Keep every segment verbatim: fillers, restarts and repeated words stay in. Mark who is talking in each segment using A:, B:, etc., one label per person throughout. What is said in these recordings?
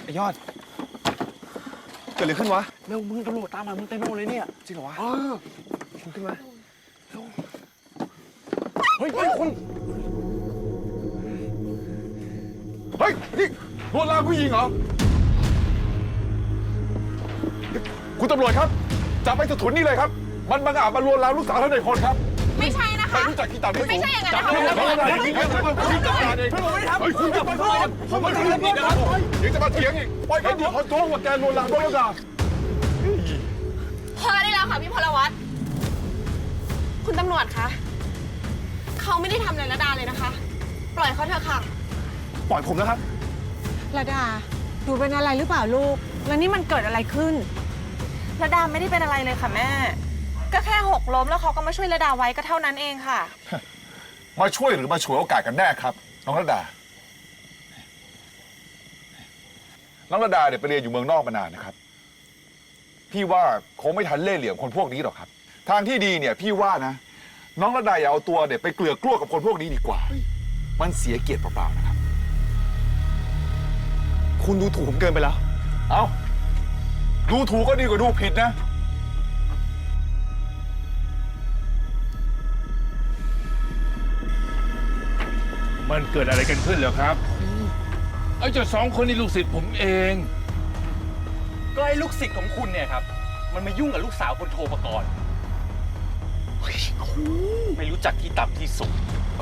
A: ไอ้ยอดเกิดอะไรขึ้นวะ
B: เร็วมึงตำรวจตามมามึงเต็มไปหมดเลยเนี่ย
A: จริงเหรอวะ
B: เออ
A: คุณขึ้นมา
B: เฮ้ยเฮ้ยคุณ
A: เฮ้ยนี่ลวนลามผู้หญิงเหรอคุณตำรวจครับจับไปถุนนี่เลยครับมันบังอาจมาลวนลามลูกสาวท่านในพลครับ
C: ไม่ใช่นะคะ
A: ไม่รู้จักกีตาร์ไม่
C: ไม่ใช่อย่างนั้นนะคะ
A: คุณจับการเองไม่ทำคุณจับการเองผมไม่ทำผิดนะครับยังจะมาเถียงอีกปล่อยเขาเดี๋ยวเขาโจ้ว่าแกลวนลามด้วยกัน
C: พอได้แล้วค่ะพี่พลวัตคุณตำรวจคะเขาไม่ได้ทำอะไรระดาเลยนะคะปล่อยเขาเถอะค่ะ
A: ปล่อยผมนะครับ
D: ระดาหนูเป็นอะไรหรือเปล่าลูกแล้วนี่มันเกิดอะไรขึ้น
C: ระดาไม่ได้เป็นอะไรเลยค่ะแม่ก็แค่หกล้มแล้วเขาก็มาช่วยระดาไว้ก็เท่านั้นเองค่ะ
A: มาช่วยหรือมาฉวยโอกาสกันแน่ครับน้องระดาน้องระดาเนี่ยไปเรียนอยู่เมืองนอกมานานนะครับพี่ว่าคงไม่ทันเล่ห์เหลี่ยมคนพวกนี้หรอกครับทางที่ดีเนี่ยพี่ว่านะน้องระดาอย่าเอาตัวเนี่ยไปเกลือกกลัวกับคนพวกนี้ดีกว่ามันเสียเกียรติเปล่าๆนะครับคุณดูถูกผมเกินไปแล้วเอ้าดูถูกก็ดีกว่าดูผิดนะ
E: มันเกิดอะไรกันขึ้นเหรอครับไอ้เจ้าสองคนนี่ลูกศิษย์ผมเอง
B: ก็ไอ้ลูกศิษย์ของคุณเนี่ยครับมันมายุ่งกับลูกสาวคนโทรประกรณ์ไม่รู้จักที่ต่ำที่สูง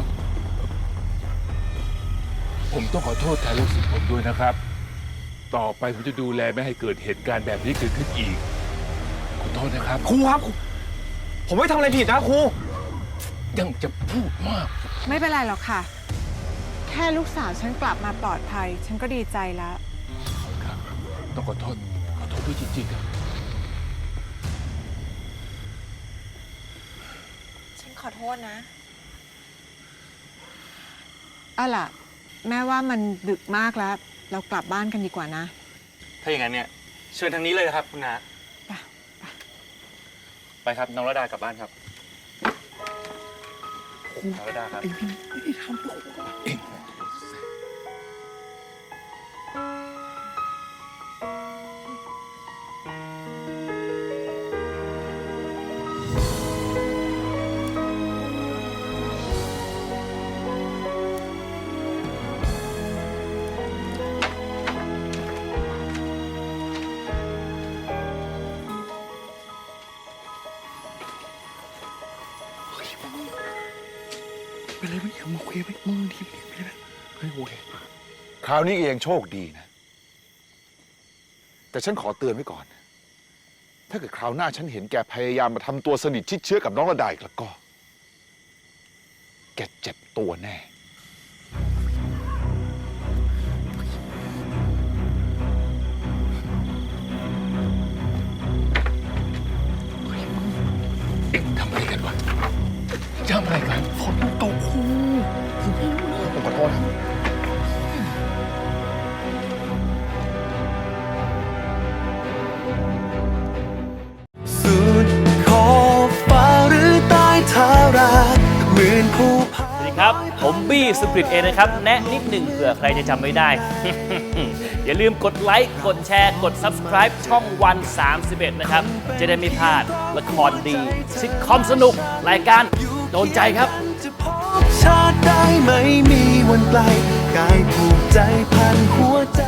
E: ผมต้องขอโทษแทนลูกศิษย์ผมด้วยนะครับต่อไปผมจะดูแลไม่ให้เกิดเหตุการณ์แบบนี้เกิดขึ้นอีกขอโทษนะครับ
B: ครูครับผมไม่ทำอะไรผิดนะครู
E: ยังจะพูดมาก
D: ไม่เป็นไรหรอกค่ะแค่ลูกสาวฉันกลับมาปลอดภัยฉันก็ดีใจแล้ว
E: ครับต้องขอโทษขอโทษด้วยจริงๆครับ
C: ฉันขอโทษนะ
D: เอาล่ะแม่ว่ามันดึกมากแล้วเรากลับบ้านกันดีกว่านะ
B: ถ้าอย่างนั้นเนี่ยเชิญทางนี้เลยครับคุณน้าไปไปครับน้องระดากลับบ้านครับน้องระดาครับไอ้พี่ไม่ได้ทำหรอกเอง
A: ไปเลยไม่เอามาคุยไปมึงทีไปเลยนะเฮ้ยโอเคคราวนี้เองโชคดีนะแต่ฉันขอเตือนไว้ก่อนถ้าเกิดคราวหน้าฉันเห็นแกพยายามมาทำตัวสนิทชิดเชื้อกับน้องระดาอีกแล้วก็แกเจ็บตัวแน่
E: เอ็งทำอะไรกันวะทำอะไรกัน
A: ฝนมันตกครูผมไม่รู้เลยผมขอโทษครับ
F: สุดขอบฟ้าหรือใต้ทาราเหมือนผู้พา
G: สวัสดีครับผมบี้สปริตเองนะครับแนะนิดหนึ่งเผื่อใครจะจำไม่ได้ อย่าลืมกดไลค์กดแชร์กด ซับสไครบ์ ช่องวันสามสิบเอ็ดนะครับจะได้ไม่พลาดละครดีซิทคอมสนุกรายการโดนใจครับ
F: จะพบชาติได้ไม่มีวันไกลกายผูกใจพันหัวใจ